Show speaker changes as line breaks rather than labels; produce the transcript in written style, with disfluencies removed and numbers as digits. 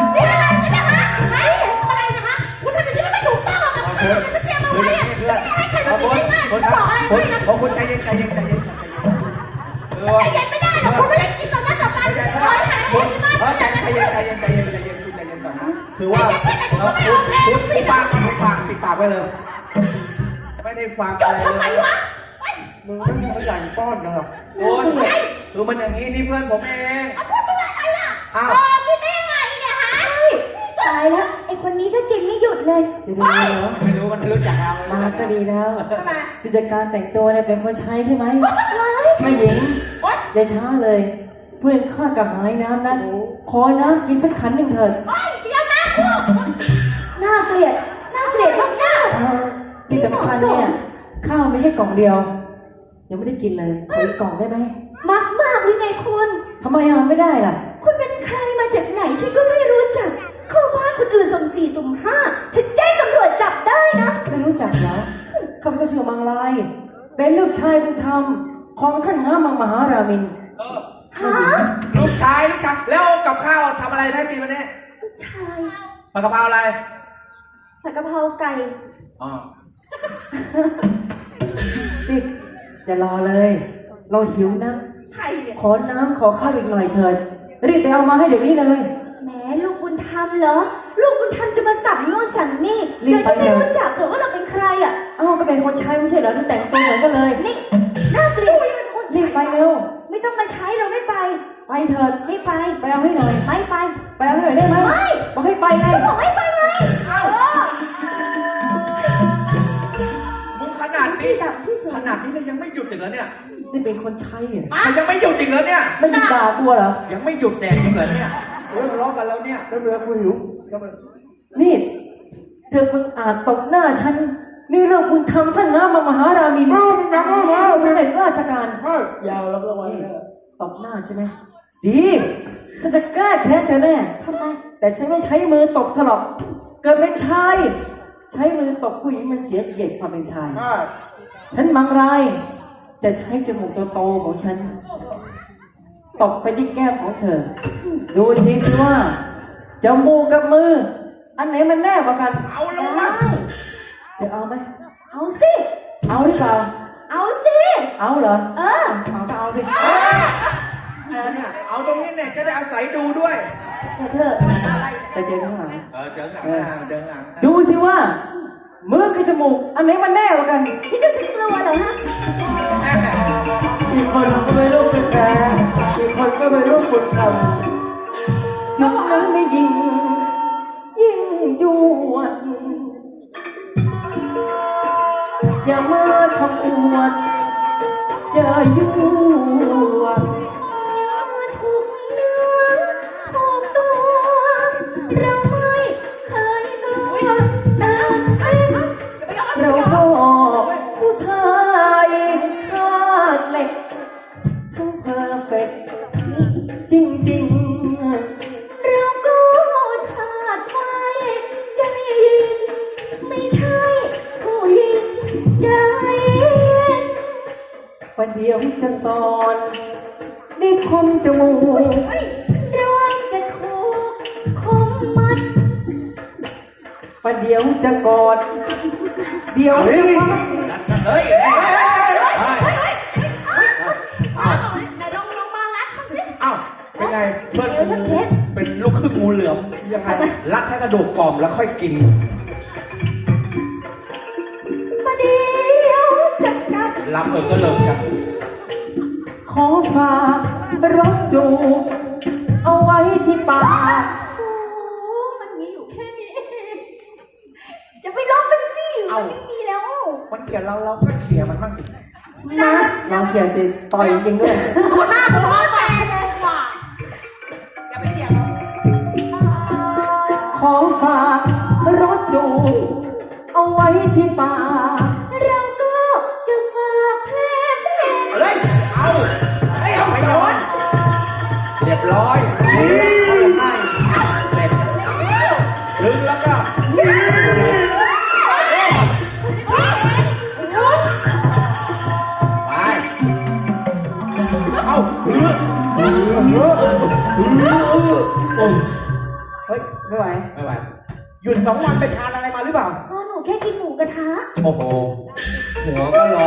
นี่อะไรกันนะคะไอ้อะไรนะคะคุณทำอย่างนี้ไม่ถูกต้องหรอกค่ะจะเตรียมเอาไว้อะไม่ให้ใครมากินง่ายๆบอกอะไรให้นะ
คุณใจเย็นใจเย็นใจเย็นใจ
เย็นไม่ได้หรอกคุณไม่ได้กินตอนนั้นตอนนั้นขอให้หายให้ที่บ้าน
ใจเย็นใจเย็นใจเย็นใจเย็นใจเย็นคุณใจเย็นก่อนนะคือว่าคุณปิดปากไว้เลยไม่ได้ฟังอะไรเลย
ทำไมวะ
มึงไม่มีตัวอย่างป้อนเหรอโอ้ยคือมันอย่างนี้นี่เพื่อนผมเอง
พูดอะไรล่ะ
อ้าว
กินได้ยังไงเนี่ยฮะ
ตายแล้วไอ้คนนี้ก็กินไม่หยุดเลย
จะดีแล้วไม่รู้มันรู้จักเรา
มาก็ดีแล้ว
ทำไม
ผู้จัดการแต่งตัวเนี่ยเป็นคนใช้ใช่ไหมไม่หญิงอย่าช้าเลยเพื่อนข้ากับหายน้ำนะขอน้ำกินสักขันหนึ่งเถิด
เดี๋ยวนะกู
น่าเกลียดมากๆ
ที่สำคัญเนี่ยข้าวไม่ใช่กล่องเดียวยังไม่ได้กินเลยขออีกกล่องได้ไหม
มากหรือไงคุณ
ทำไมไม่ได้ล่ะ
คุณเป็นใครมาจากไหนฉันก็ไม่รู้จักเข้าบ้านคนอื่นสุ่ม4สุ่ม5ฉันแจ้งตำรวจจับได้นะ
ไม่รู้จักเหรอข้าพเจ้าชื่อมังลายเป็นลูกชายบุญธรรมของท่านง้ามังมหารามิน
ฮะ
ลูกชายลูกชายแล้วกับข้าวทำอะไรได้กินวันนี้
ลูกชาย
ผัดกะเพราอะไร
ผัดกะเพราไก่
อ๋อ
นี่อย่ารอเลยเราหิวนะขอน้ำขอข้าวอีกหน่อยเถิดรีบไปเอามาให้เดี๋ยวนี้เลย
แหมลูกบุญธรรมเหรอลูกบุญธรรมจะมาสั่งโน่นสั่งนี่เดี๋ยวจะไม่รู้จักหรอว่าเราเป็นใครอ่ะ
ก็เป็นคนใช้ไม่ใช่เหรอดูแต่งตัวเหมือนกันเลย
นี่น่าเกลียด
รีบไปเร็ว
ไม่ต้องมาใช้เราไม่ไป
เถิด
ไม่ไป
เอาให้หน่อย
ไม่ไป
เอาให้หน่อยได้ไหม
ไม่
บอกให้ไปไง
บอกให้ไปไง
มึงขนาดนี้เลยยังไม่หยุดอีกเหรอเนี่ย
นี่เป็นคนใช้เนี่ย
ยังไม่หยุดอีกเหรอเนี่ย
ไม่หยุดด่าตัวเหรอ
ยังไม่หยุดแดกอีกเหรอเนี่ยทะเลาะกันแล้วเนี่ยแล้วเรือกูหิว
นี่เธอมึงอาจตบหน้าฉันนี่เรื่องคุณทำท่านน้ามหารามินเสด็จราชการ
ยาวแล้วก็วัน
ตบหน้าใช่ไหมดีฉันจะแก้แค้นเธอแน่
ทำไม
แต่ฉันไม่ใช้มือตบเธอหรอกเกิดเป็นชายใช้มือตบผู้หญิงมันเสียเกียรติความเป็นชายฉันมังรายจะใช้จมูกโตๆของฉันตบไปที่แก้มของเธอดูทีสิว่าจมูกกับมืออันไหนมันแน่กว่ากัน
เอาลงมา
จะเอาไหม
เอาสิ
เอาหรือเปล่า
เอาสิ
เอาเหรอ
เอา
ก็เอาสิ
เอาตรงนี้เนี่ยจะได้อาศัยดูด้วย
เธอไปเจอข้างหลัง
เจอข้างหลัง
ดูสิว่ามือกับจมูกอันไหนมันแน่กว่ากัน
คิดว่าฉันกลัวเหรอฮะ
อีกคนก็ไม่รู้เป็นแพ้อีกคนก็ไม่รู้บุญธรรมยุคนั้นไม่ยิ่งยวดอย่ามาทำอวดอย่ายั่ว
ถูกเนื้อถูกตัวเราไม่เคยกลัวแต่
เราก็ผู้ชายคาดเหล็กทั้งเพอร์เฟกต์จริงๆ
เราก็คาดไว้ใจไม่ใช่ผู้หญิงใจ
วันเดียวจะสอนนี่คมจมูก
ระวังจะถูกคมมัด
วันเดียวจะกอดเดียว
เฮ้ย
ลงมารัดสิ
อ้าวเป็นไงเพื่อนกูเป็นลูกครึ่งงูเหลือมยังไงรัดให้กระดูกกรอบแล้วค่อยกิน
มาเดียวจัดการ
รับก็เลิกกัน
ขอฝากรถจูบเอาไว้ที่ปาก
มันมีอยู่แค่นี้อย่าไปลบมันสิมันไม่มีแล้ว
มันเกลียดเราก็เกลียดมันบ้างสิ
นะลองเกลียดสิต่อยจริงด้วย
หัวหน้าหัวแตกเลยว่ะอย่าไปเถียง
ขอฝากรถจูบเอาไว้ที่ปาก
เราก็จะฝากเพลง
เอาไปโยนเรียบร้อยให้เสร็จลึงแล้วก็ไปเอาเฮ้ย
ไม่ไหว
ไม่ไหวหยุด2 วันไปทานอะไรมาหรือเปล่า
ก็หนูแค่กินหมูกระทะ
โอ้โหหัวก็ร้